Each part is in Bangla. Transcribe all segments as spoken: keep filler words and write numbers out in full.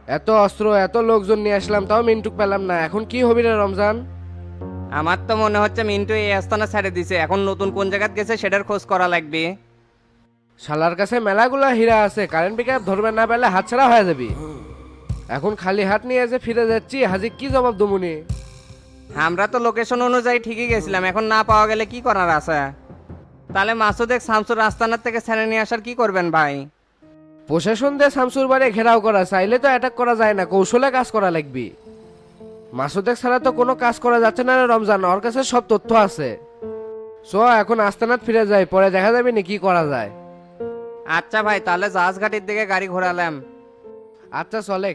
এত অস্ত্র এত লোকজন নিয়ে আসলাম তাও মিন্টুক পেলাম না, এখন কি হবি রে রমজান? আমার তো মনে হচ্ছে মিন্টু এই আস্তানা ছেড়ে দিছে, এখন নতুন কোন জায়গায় গেছে সেটার খোঁজ করা লাগবে। শালার কাছে মেলাগুলা হীরা আছে, কারেন্ট পিকআপ ধরবে না পেলে হাতছাড়া হয়ে যাবি। এখন খালি হাত নিয়ে যে ফিরে যাচ্ছি, হাজি কি জবাব দমুনি? আমরা তো লোকেশন অনুযায়ী ঠিকই গেছিলাম, এখন না পাওয়া গেলে কি করার আছে? তাহলে মাসুদেক শামসুর আস্তানার থেকে ছেড়ে নিয়ে আসার কি করবেন ভাই? প্রশাসন দিয়ে শামসুর বাড়ি ঘেরাও করা, চাইলে তো অ্যাটাক করা যায় না, কৌশলে কাজ করা লাগবে। মাসুদেক ছাড়া তো কোনো কাজ করা যাচ্ছে না রে রমজান, ওর কাছে সব তথ্য আছে। সো এখন আস্তানাত ফিরে যাই, পরে দেখা যাবে নি কি করা যায়। আচ্ছা ভাই, তাহলে জাহাজ ঘাটির দিকে গাড়ি ঘোরালাম। আচ্ছা চলে।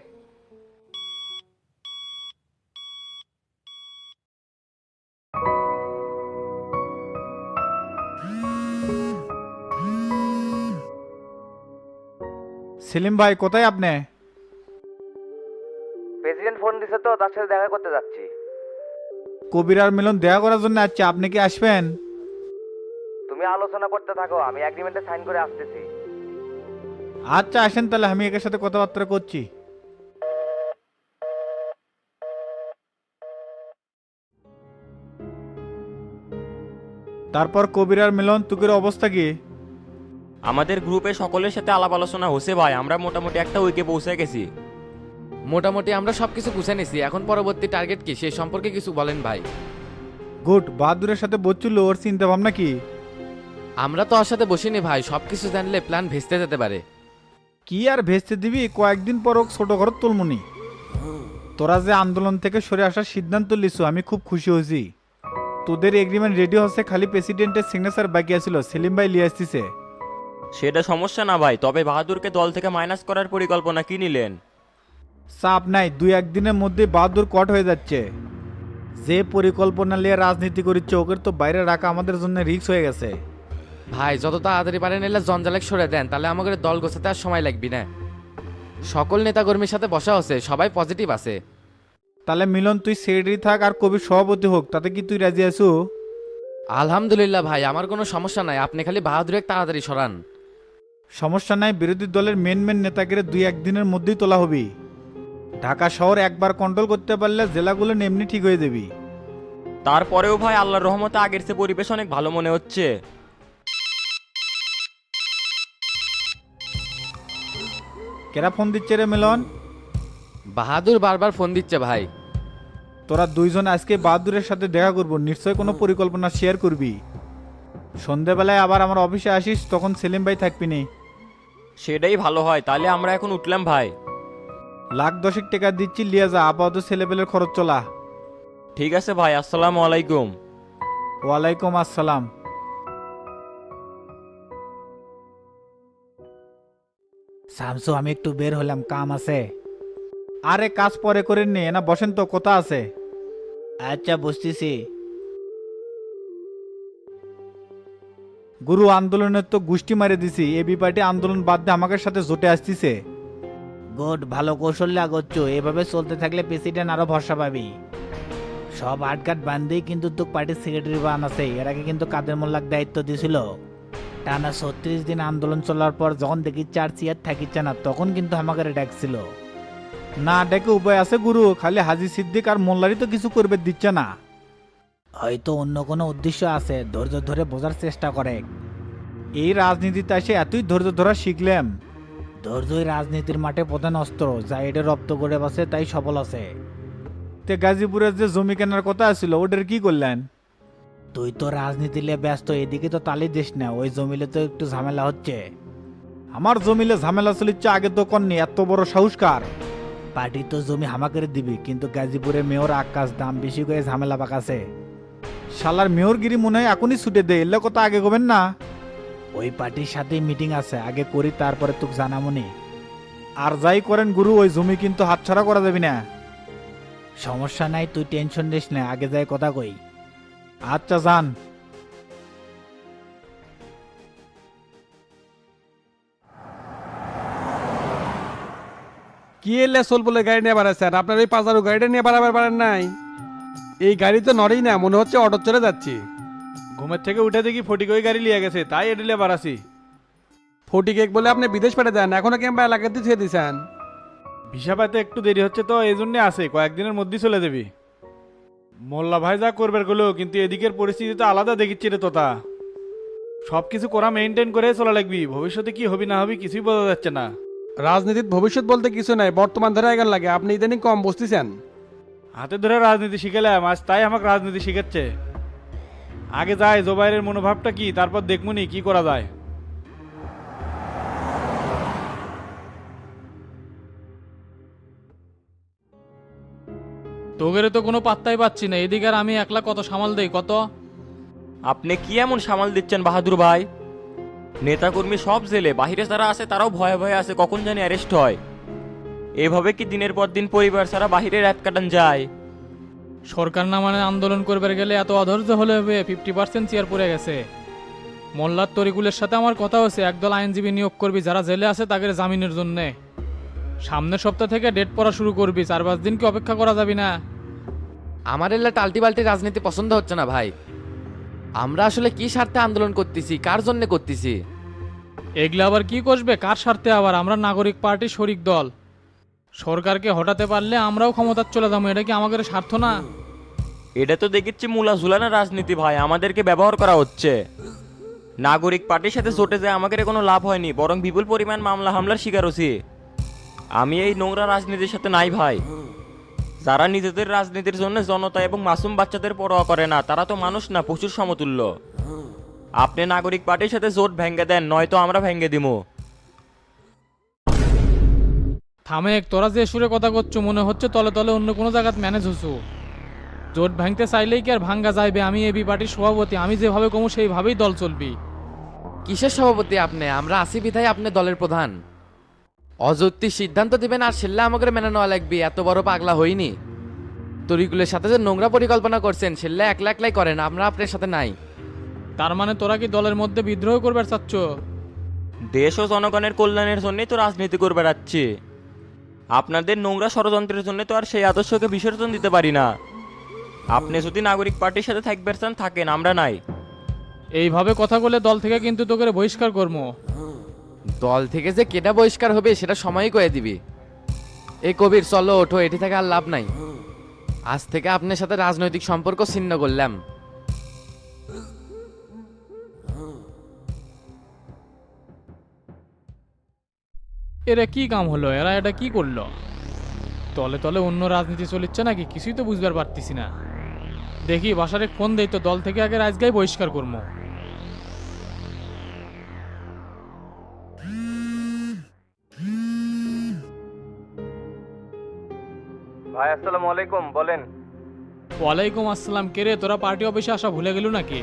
সেলিম ভাই কোথায় আপনি? প্রেসিডেন্ট ফোন দিছে তো, তার সাথে দেখা করতে যাচ্ছি। কবির আর মিলন দেখা করার জন্য আসছে, আপনি কি আসবেন? তুমি আলোচনা করতে থাকো, আমি এগ্রিমেন্টে সাইন করে আসতেছি। আচ্ছা আসেন, তাহলে আমি একের সাথে কথাবার্তা করছি। তারপর কবির আর মিলন, তুকের অবস্থা কি? আমাদের গ্রুপে সকলের সাথে আলাপ আলোচনা হচ্ছে ভাই, আমরা মোটামুটি একটা উইকে পৌঁছে গেছি। মোটামুটি আমরা সবকিছু গুছিয়ে নিছি, এখন পরবর্তী টার্গেট কি সেই সম্পর্কে কিছু বলেন ভাই। গুড। বাহাদুরের সাথে বলছিল, ওর চিন্তা ভাবনা কি? আমরা তো ওর সাথে বসিনি ভাই, সবকিছু জানলে প্ল্যান ভেস্তে যেতে পারে। কি আর ভেস্তে দিবি, কয়েকদিন পর ওক ছোট ঘর তুলমুনি। তোরা যে আন্দোলন থেকে সরে আসার সিদ্ধান্ত লিছু, আমি খুব খুশি হয়েছি। তোদের এগ্রিমেন্ট রেডি হচ্ছে, খালি প্রেসিডেন্টের সিগনেচার বাকি আছিল, সেলিম ভাই লিয়ে আসতেছে। সেটা সমস্যা না ভাই, তবে বাহাদুরকে দল থেকে মাইনাস করার পরিকল্পনা কি নিলেন? চাপ নাই, দুই একদিনের মধ্যে বাহাদুর কট হয়ে যাচ্ছে। যে পরিকল্পনা নিয়ে রাজনীতি করিচ্ছে, ওকে তো বাইরে রাখা আমাদের জন্য রিস্ক হয়ে গেছে। ভাই যত তাড়াতাড়ি পারেন এলে জঞ্জালেক সরে দেন, তাহলে আমাদের দল গোছাতে আর সময় লাগবে না। সকল নেতাকর্মীর সাথে বসা হচ্ছে, সবাই পজিটিভ আছে। তাহলে মিলন তুই সেক্রেটারি থাক আর কবির সভাপতি হোক, তাতে কি তুই রাজি আছো? আলহামদুলিল্লাহ ভাই, আমার কোনো সমস্যা নাই, আপনি খালি বাহাদুরের তাড়াতাড়ি সরান। সমস্যা নাই, বিরোধী দলের মেন মেন নেতাকে দুই একদিনের মধ্যেই তোলা হবে। ঢাকা শহর একবার কন্ট্রোল করতে পারলে জেলাগুলো এমনি ঠিক হয়ে যাবি। তারপরেও ভাই আল্লাহর রহমতে আগের চেয়ে পরিবেশ অনেক ভালো মনে হচ্ছে। কেরা ফোন দিচ্ছে রে মিলন? বাহাদুর বারবার ফোন দিচ্ছে ভাই। তোরা দুইজন আজকে বাহাদুরের সাথে দেখা করবো, নিশ্চয় কোনো পরিকল্পনা শেয়ার করবি। সন্ধেবেলায় আবার আমার অফিসে আসিস, তখন সেলিম ভাই থাকবি নি। সেটাই ভালো হয়, তাহলে আমরা এখন উঠলাম ভাই। লাখ দশেক টাকা দিচ্ছি, লিয়ে যা, আপাতত ছেলেপেলের খরচ চলা। ঠিক আছে ভাই, আসসালামু আলাইকুম। ওয়ালাইকুম আসসালাম। শামসু, আমি একটু বের হলাম, কাম আছে। আরে কাজ পরে করে নে না, বসেন তো, কথা আছে। আচ্ছা বুঝতেছি। গুরু আন্দোলনের তো গোষ্ঠী মারে দিছি, এবি পার্টি আন্দোলন বাদ দিয়ে আমাদের সাথে জোটে আসতেছে। গুড, ভালো কৌশলে আগোচ্ছ, এভাবে চলতে থাকলে প্রেসিডেন্ট আরো ভরসা পাবি। সব আটকাট বান্ধেই কিন্তু তোর পার্টির সেক্রেটারি বান আছে, এর আগে কিন্তু কাদের মোল্লাক দায়িত্ব দিছিল। টানা ছত্রিশ দিন আন্দোলন চলার পর যখন দেখি চার চেয়ার থাকিচ্ছে না, তখন কিন্তু আমাকে ডাকছিল। না ডেকে উপায় আছে গুরু, খালি হাজি সিদ্দিক আর মোল্লারি তো কিছু করবে দিচ্ছে না। হয়তো অন্য কোনো উদ্দেশ্য আছে, ধৈর্য ধরে বোঝার চেষ্টা করে। এই রাজনীতিতে এসে এতই ধৈর্য ধরা শিখলাম। ধৈর্যই রাজনীতির মাঠে প্রধান অস্ত্র, যা এটা রপ্ত করে বসে তাই সফল আছে। তে গাজীপুরের যে জমি কেনার কথা ছিল, ওটার কি করলেন? তুই তো রাজনীতি নিয়ে ব্যস্ত, এদিকে তো তালি দিস না, ওই জমিলে তো একটু ঝামেলা হচ্ছে। আমার জমিলে ঝামেলা চলিচ্ছে, আগে তো কননি, এত বড় সাহসকার। পার্টি তো জমি হামাকের দিবি, কিন্তু গাজীপুরে মেয়র আকাশ দাম বেশি করে ঝামেলা পাকাছে। শালার মেয়রগিরি মনে হয় এখনই ছুটে দে, এলে কথা আগে করবেন না। ওই পার্টির সাথেই মিটিং আছে, আগে করি তারপরে তোকে জানামনি। আর যাই করেন গুরু, ওই জমি কিন্তু হাতছাড়া করা যাবে না। সমস্যা নাই, তুই টেনশন নিস না, আগে যাই কথা কই। আচ্ছা যান। কি এলে সোল বলে গাড়ি নিয়ে বাড়াচ্ছেন? আপনার ওই পাজারু গাড়িটা নিয়ে বাড়াবার পারেন নাই? এই গাড়ি তো নড়েই না, মনে হচ্ছে অটো চলে যাচ্ছি। ঘুমের থেকে উঠে দেখি ফটিক ওই গাড়ি লিয়ে গেছে, তাই এডিলে বাড়াছি। ফোর্টি কেক বলে আপনি বিদেশ পাঠিয়ে দেন, এখনো ক্যাম্পা এলাকাতে ছেড়ে দিয়েছেন। ভিসা পাইতে একটু দেরি হচ্ছে তো এই জন্যে আছে, কয়েকদিনের মধ্যেই চলে যাবি। মোল্লা ভাই যা করবার গেলো, কিন্তু এদিকের পরিস্থিতি তো আলাদা দেখিচ্ছে রে তোতা। সব কিছু করা মেনটেন করে চলা লাগবি, ভবিষ্যতে কি হবি না হবি কিছুই বোঝা যাচ্ছে না। রাজনীতির ভবিষ্যৎ বলতে কিছু নাই, বর্তমান ধরে এগার লাগে। আপনি ইদানিং কম বসতেছেন। হাতে ধরে রাজনীতি শিখেলাম আজ, তাই আমাকে রাজনীতি শিখাচ্ছে। আগে যাই জোবাইরের মনোভাবটা কি, তারপর দেখমুনি কি করা যায়। তোগেরে তো কোনো পাত্তাই পাচ্ছি না, এদিকে আর আমি একলা কত সামাল দেই কত। আপনি কি এমন সামাল দিচ্ছেন বাহাদুর ভাই? নেতাকর্মী সব জেলে, বাহিরে যারা আছে তারাও ভয়ে ভয়ে আছে কখন জানি অ্যারেস্ট হয়। এভাবে কি দিনের পর দিন পরিবার ছাড়া বাহিরে রাত কাটান যায়? সরকার না মানে আন্দোলন করবার গেলে এত অধৈর্য হলে হবে? ফিফটি পার্সেন্ট চেয়ার পড়ে গেছে। মোল্লার তরিকুলের সাথে আমার কথা হচ্ছে, একদল আইনজীবী নিয়োগ করবি যারা জেলে আছে তাদের জামিনের জন্যে। সামনের সপ্তাহ থেকে ডেট পড়া শুরু করবি, চার পাঁচ দিন কি অপেক্ষা করা যাবি না? আমার এলা টাল্টি বাল্টি রাজনীতি পছন্দ হচ্ছে না ভাই। আমরা আসলে কি স্বার্থে আন্দোলন করতেছি, কার জন্য করতেছি? এগুলো আবার কি করবে, কার স্বার্থে? আবার আমরা নাগরিক পার্টি শরিক দল, সরকারকে হটাতে পারলে আমরাও ক্ষমতার চলে যাবো। এটা কি আমাদের স্বার্থ না? এটা তো দেখেছি মূলা ঝুলানো রাজনীতি ভাই, আমাদেরকে ব্যবহার করা হচ্ছে। নাগরিক পার্টির সাথে জোটে যায় আমাদের কোনো লাভ হয়নি, বরং বিপুল পরিমাণ মামলা হামলার শিকার হচ্ছি। আমি এই নোংরা রাজনীতির সাথে নাই ভাই। যারা নিজেদের রাজনীতির জন্য জনতা এবং মাসুম বাচ্চাদের পরোয়া করে না, তারা তো মানুষ না, প্রচুর সমতুল্য। আপনি নাগরিক পার্টির সাথে জোট ভেঙে দেন, নয়তো আমরা ভেঙে দিব। থামেক, তোরা যে সুরে কথা করছো মনে হচ্ছে তলে তলে অন্য কোনো জায়গায় ম্যানেজ হচ্ছু। জোট ভাঙতে চাইলেই কি আর ভাঙ্গা যাইবে? আমি এবি পার্টির সভাপতি, আমি যেভাবে কমু সেইভাবেই দল চলবি। কিসের সভাপতি আপনি? আমরা আসি বিধায় আপনি দলের প্রধান। অযৌক্তিক সিদ্ধান্ত দিবেন আর সেল্লা আমাকে মেনে নেওয়া লাগবে, এত বড় পাগলা হইনি। তরিকুলের সাথে যে নোংরা পরিকল্পনা করছেন সেল্লা একলা একলাই করেন, আমরা আপনার সাথে নাই। তার মানে তোরা কি দলের মধ্যে বিদ্রোহ করবার চাচ্ছ? দেশ ও জনগণের কল্যাণের জন্যই তো রাজনীতি করে বেড়াচ্ছি। আপনাদের নোংরা ষড়যন্ত্রের জন্য তো আর সেই আদর্শকে বিসর্জন দিতে পারি না। আপনি যদি নাগরিক পার্টির সাথে থাকবেন চান থাকেন, আমরা নাই। এইভাবে কথা বলে দল থেকে কিন্তু তোকে বহিষ্কার করবো। দল থেকে যে কেটা বহিষ্কার হবে সেটা সময়ই কয়ে দিবি। এই কবির চলো ওঠো, এটি থেকে আর লাভ নাই। আজ থেকে আপনার সাথে রাজনৈতিক সম্পর্ক ছিন্ন করলাম। এরা কি কাম হলো? এরা এটা কি করলো? তলে তলে অন্য রাজনীতি চলিচ্ছে নাকি কিছুই তো বুঝবার পারতেছি না। দেখি বাসারে ফোন দেই তো, দল থেকে আগে রাজগাই বহিষ্কার করবো। ভাই আসসালামু আলাইকুম, বলেন। ওয়ালাইকুম আসসালাম। কে রে, তোরা পার্টি অফিসে আসা ভুলে গেল নাকি?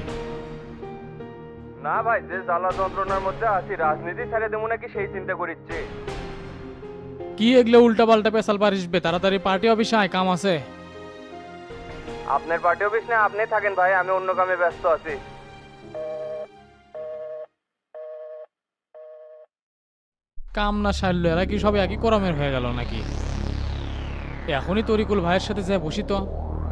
না ভাই, যে জ্বালা যন্ত্রণার মধ্যে আছি রাজনীতি ছেড়ে দেবো নাকি সেই চিন্তা করিচ্ছি। কি এগুলো উল্টা পাল্টা পেশাল পারিসবে? তাড়াতাড়ি পার্টি অফিসে আয়, কাম আছে। আপনার পার্টি অফিস না আপনি থাকেন ভাই, আমি অন্য কামে ব্যস্ত আছি। কাম না সারলো, এরা কি সব একই করমের হয়ে গেল নাকি? এখনই তরিকুল ভাইয়ের সাথে যায় বসি তো।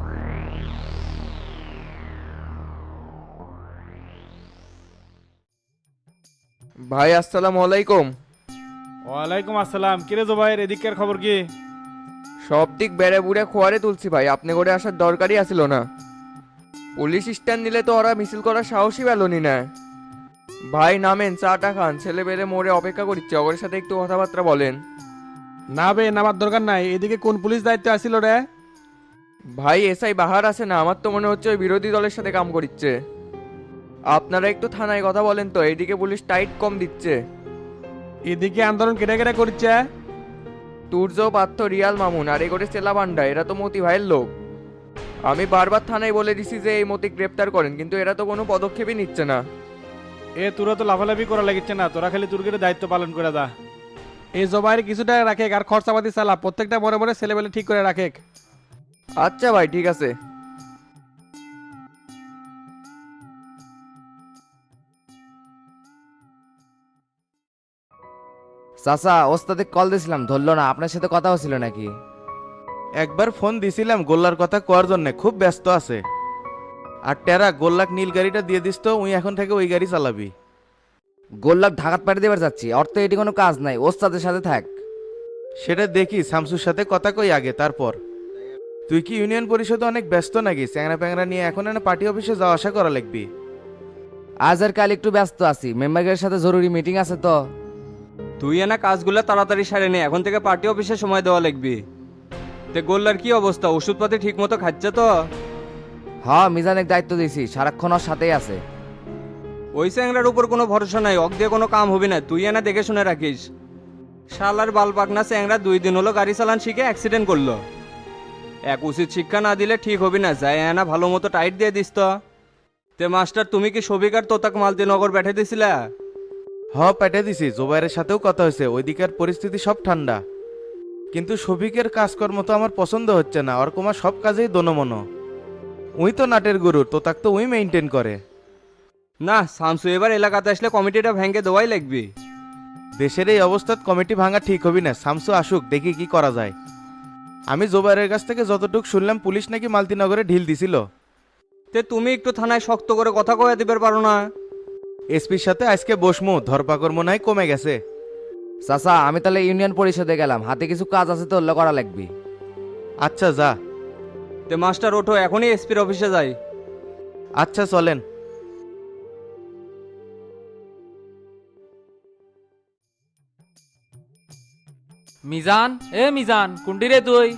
ভাই আসসালামু আলাইকুম। ওয়ালাইকুম আসসালাম। কিরে জোবাইর, এদিকের খবর কি? সব দিক বেড়ে বুড়ে খোয়ারে তুলছি ভাই, আপনি করে আসার দরকারই আসিল না। পুলিশ স্ট্যান্ড নিলে তো ওরা মিছিল করার সাহসই পেলনি না। ভাই নামেন, চাটা খান, ছেলে বেড়ে মোড়ে অপেক্ষা করছে, ওর সাথে একটু কথাবার্তা বলেন। না বে, নামার দরকার নাই। এদিকে কোন পুলিশ দায়িত্বে আসিল রে? ভাই এসআই বাহার আছে না, আমার তো মনে হচ্ছে ওই বিরোধী দলের সাথে কাম করিচ্ছে। আপনারা একটু থানায় কথা বলেন তো, এইদিকে পুলিশ টাইট কম দিচ্ছে। এদিকে আন্দোলন কেটে কেটে করছে। তুর্য পার্থ রিয়াল মামুন আর এ করে চেলা বান্ডা, এরা তো মতি ভাইয়ের লোক। আমি বারবার থানায় বলে দিছি যে এই মতি গ্রেপ্তার করেন, কিন্তু এরা তো কোনো পদক্ষেপই নিচ্ছে না। এ তোরা তো লাফালাফি করা লাগিচ্ছে না, তোরা খালি তুর্গের দায়িত্ব পালন করে দা। এই জবাইয়ের কিছুটা রাখে আর খরচাপাতি চালা, প্রত্যেকটা মনে মনে ছেলেবেলে ঠিক করে রাখে। আচ্ছা ভাই ঠিক আছে। চাচা, ওস্তাদে কল দিছিলাম ধরলো না, আপনার সাথে কথা হচ্ছিল নাকি? একবার ফোন দিছিলাম গোল্লার কথা কোয়ার জন্য, খুব ব্যস্ত আছে। আর টেরা গোল্লাক নীল গাড়িটা দিয়ে দিস তো, উই এখন থেকে ওই গাড়ি চালাবি। গোল্লাক ঢাকাত পাঠিয়ে দেবার যাচ্ছি, অর্থ এটি কোনো কাজ নাই, ওস্তাদের সাথে থাক। সেটা দেখি শামসুর সাথে কথা কই আগে, তারপর। তুই কি ইউনিয়ন পরিষদে অনেক ব্যস্ত নাকি? চ্যাংরা প্যাংরা নিয়ে এখন এনে পার্টি অফিসে যাওয়া আসা করা লাগবি। আজ আর কাল একটু ব্যস্ত আছি, মেম্বারের সাথে জরুরি মিটিং আছে তো। তুই এনা কাজগুলো তাড়াতাড়ি সারে নে, এখন থেকে পার্টি অফিসে সময় দেওয়া লাগবে। তে গোল্লার কি অবস্থা, ওষুধপাতি ঠিক মতো খাচ্ছে তো? হ্যাঁ, মিজানের দায়িত্ব দিয়েছি, সারাক্ষণ ওর সাথেই আছে। ওই স্যাংরার উপর কোনো ভরসা নাই, অক দিয়ে কোনো কাম হবে না, তুই এনা দেখে শুনে রাখিস। শালার বাল পাকনা স্যাংরা দুই দিন হলো গাড়ি চালান শিখে অ্যাক্সিডেন্ট করলো। এক উচিত শিক্ষা না দিলে ঠিক হবে না, যাই এনা ভালো মতো টাইট দিয়ে দিস তো। তে মাস্টার, তুমি কি সবিকার তোতাক মালতিনগর বেঠে দিছিলা? হ, পেটে দিছি, জোবাইরের সাথেও কথা হয়েছে, ওইদিকের পরিস্থিতি সব ঠান্ডা। কিন্তু শফিকের কাজকর্ম তো আমার পছন্দ হচ্ছে না, ওর কুমার সব কাজেই দনমনো। উই তো নাটের গুরু, তোতাক তো উই মেনটেন করে। না, শামসু এবার এলাকাতে আসলে কমিটিটা ভেঙে দেওয়াই লাগবে। দেশের এই অবস্থাত কমিটি ভাঙা ঠিক হবি না, শামসু আসুক, দেখি কি করা যায়। আমি জোবাইরের কাছ থেকে যতটুকু শুনলাম, পুলিশ নাকি মালতিনগরে ঢিল দিছিল। তে তুমি একটু থানায় শক্ত করে কথা কয়ে দিতে পারো না? এসপির সাথে আজকে বসমু, ধরপাকড় মনে হয় কমে গেছে। চাচা, আমি তাহলে ইউনিয়ন পরিষদে গেলাম, হাতে কিছু কাজ আছে তো, ওগুলো করা লাগবে। আচ্ছা যা। তে মাস্টার ওঠো, এখনই এসপির অফিসে যাই। আচ্ছা চলেন। মিজান, এ মিজান, কুন্ডি রে তুই?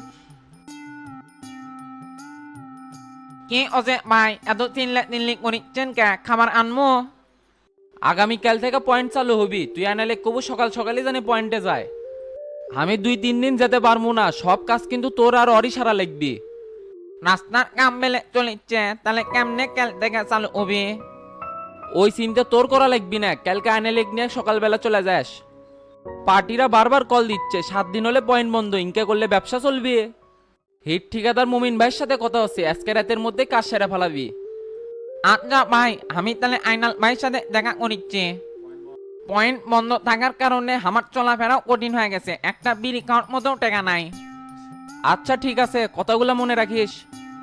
কি অজে ভাই, এত চিনলে চিনলি করিচ্ছেন কে? খাবার আনমো? আগামীকাল থেকে পয়েন্ট চালু হবি, তুই আনালে কবু সকাল সকালে জানি পয়েন্টে যায়। আমি দুই তিন দিন যেতে পারবো না, সব কাজ কিন্তু তোর আর অরি সারা লাগবি। রাস্তার কাম বেলে চলিচ্ছে, তাহলে কেমনে কাল থেকে চালু হবি? ওই চিন্তা তোর করা লাগবি না, কালকে আনালে নিয়ে সকালবেলা চলে যাস। পার্টিরা বারবার কল দিচ্ছে, সাত দিন হলে পয়েন্ট বন্ধ, ইনকে করলে ব্যবসা চলবে। হিট ঠিকাদার মুমিন ভাইয়ের সাথে কথা হচ্ছে, আজকে রাতের মধ্যে কাজ সেরা ফেলাবি। আচ্ছা ভাই, আমি তাহলে আইনাল ভাইয়ের সাথে দেখা করিচ্ছি। পয়েন্ট বন্ধ থাকার কারণে আমার চলাফেরাও কঠিন হয়ে গেছে, একটা বিড়ি খাওয়ার মতো টাকা নাই। আচ্ছা ঠিক আছে, কথাগুলো মনে রাখিস।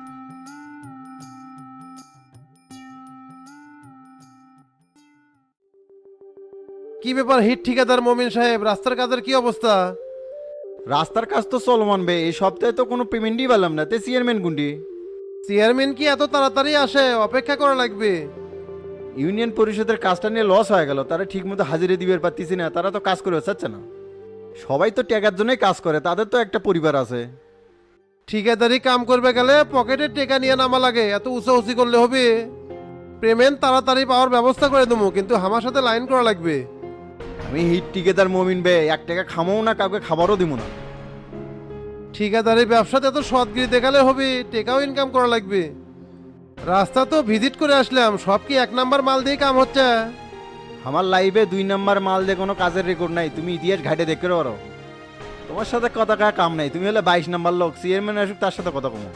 কি ব্যাপার হিট ঠিকাদার মমিন সাহেব, রাস্তার কাজের কি অবস্থা? রাস্তার কাজ তো চলমান বে, এই সপ্তাহে তো কোনো পেমেন্টই পেলাম না। তে চেয়ারম্যান গুন্ডি? চেয়ারম্যান কি এত তাড়াতাড়ি আসে? অপেক্ষা করা লাগবে। ইউনিয়ন পরিষদের কাজটা নিয়ে লস হয়ে গেল, তারা ঠিক মতো হাজিরে দিবে পারতেছি না, তারা তো কাজ করে চাচ্ছে না। সবাই তো টাকার জন্যই কাজ করে, তাদের তো একটা পরিবার আছে। ঠিকাদারি কাম করবে গেলে পকেটে টেকা নিয়ে নামা লাগে, এত উঁচা উঁচি করলে হবে? পেমেন্ট তাড়াতাড়ি পাওয়ার ব্যবস্থা করে দেবো, কিন্তু আমার সাথে লাইন করা লাগবে। আমি হিট টিকেদার মমিন বে, এক টাকা খামাও না, কাউকে খাবারও দিব না। ঠিকাদারি ব্যবসাতে এত সৎগিরি দেখালে হবে? টেকাও ইনকাম করা লাগবে। রাস্তা তো ভিজিট করে আসলাম, সব কি এক নাম্বার মাল দিয়ে কাম হচ্ছে? আমার লাইভে দুই নাম্বার মাল দিয়ে কোনো কাজের রেকর্ড নাই, তুমি ইতিহাস ঘাটে দেখতে পারো। তোমার সাথে কথা কার কাম নাই, তুমি হলে বাইশ নাম্বার লোক, চেয়ারম্যান আসুক তার সাথে কথা কমো।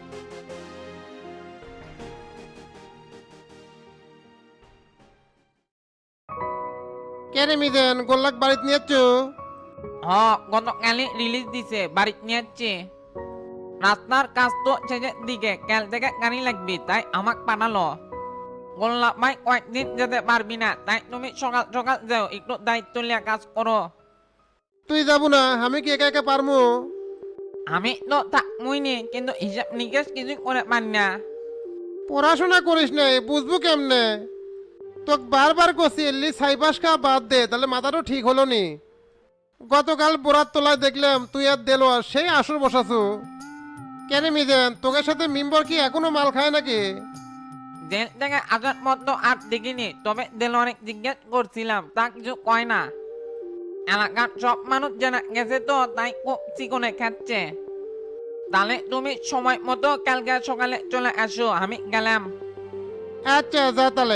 কে রে মিদেন, গোল্লাক বাড়িতে নিয়েছ? হ, গতকালই রিলিজ দিছে, বাড়ি নিয়ে যাচ্ছে। রাস্তার কাজ তো শেষের দিকে, কাল থেকে গাড়ি লাগবে, তাই আমাক পাঠালো। গোল্লা ভাই কয়েকদিন যেতে পারবি না, তাই তুমি সকাল সকাল যাও, একটু দায়িত্ব নিয়ে কাজ করো। তুই যাবো না? আমি কি একা একা পারবো? আমি তো থাকবই নি, কিন্তু হিসাব নিকেশ কিছু করে পারি না। পড়াশোনা করিস নাই, বুঝবো কেমনে? তোকে বারবার কষি এলি সাইবাস খা বাদ দে, তাহলে মাথাটাও ঠিক হলো নি। গতকাল বোরাত তোলায় দেখলাম তুই আর দেলো আর সেই আসর বসাছো। কেন মিদেন, তোকে সাথে মিম্বর কি এখনো মাল খায় নাকি? জেল থেকে আসার মতো আর দেখিনি, তবে দেল অনেক জিজ্ঞেস করছিলাম, তা কিছু কয় না। এলাকার সব মানুষ জানা গেছে তো, তাই খুব চিকনে খাচ্ছে। তাহলে তুমি সময় মতো কালকে সকালে চলে আসো, আমি গেলাম। আচ্ছা যা তাহলে।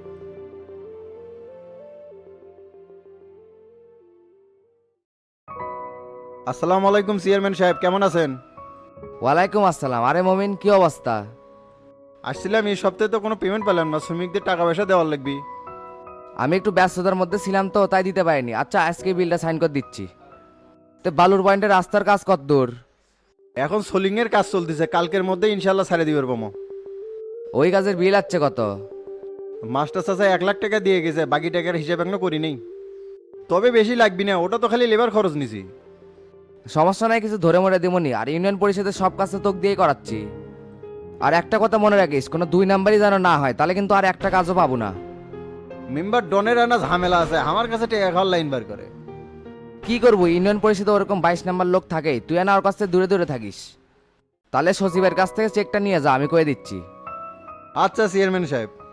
আসসালামু আলাইকুম চেয়ারম্যান সাহেব, কেমন আছেন? ওয়ালাইকুম আসসালাম। আরে মমিন, কি অবস্থা? আসছিলাম, এই সপ্তাহে তো কোনো পেমেন্ট পেলাম না, শ্রমিকদের টাকা পয়সা দেওয়ার লাগবে। আমি একটু ব্যস্ততার মধ্যে ছিলাম তো, তাই দিতে পারিনি। আচ্ছা, আজকে বিলটা সাইন করে দিচ্ছি। তো বালুর পয়েন্টের রাস্তার কাজ কত দূর? এখন সোলিং এর কাজ চলতেছে, কালকের মধ্যে ইনশাল্লাহ ছাড়ে দিবে পাবো। ওই কাজের বিল আছে কত? মাস্টার চাচা এক লাখ টাকা দিয়ে গেছে, বাকি টাকার হিসাব এখনো করি নেই। তবে বেশি লাগবি না, ওটা তো খালি লেবার খরচ নিছি। সমস্যা নাই, কিছু ধরে মরে দিমনি। আর ইউনিয়ন পরিষদের সব কাজ তো তোকে দিয়েই করাচ্ছি। আর একটা কথা মনে রাখিস, কোনো দুই নাম্বারই যেন না হয়, তাহলে কিন্তু আর একটা কাজও পাবো না। মেম্বার ডনের না ঝামেলা আছে, আমার কাছে টেকা খাওয়ার লাইন বার করে। কি করবো, ইউনিয়ন পরিষদে ওরকম বাইশ নাম্বার লোক থাকে, তুই না ওর কাছ থেকে দূরে দূরে থাকিস। তাহলে সচিবের কাছ থেকে চেকটা নিয়ে যা, আমি কয়ে দিচ্ছি। আচ্ছা চেয়ারম্যান সাহেব।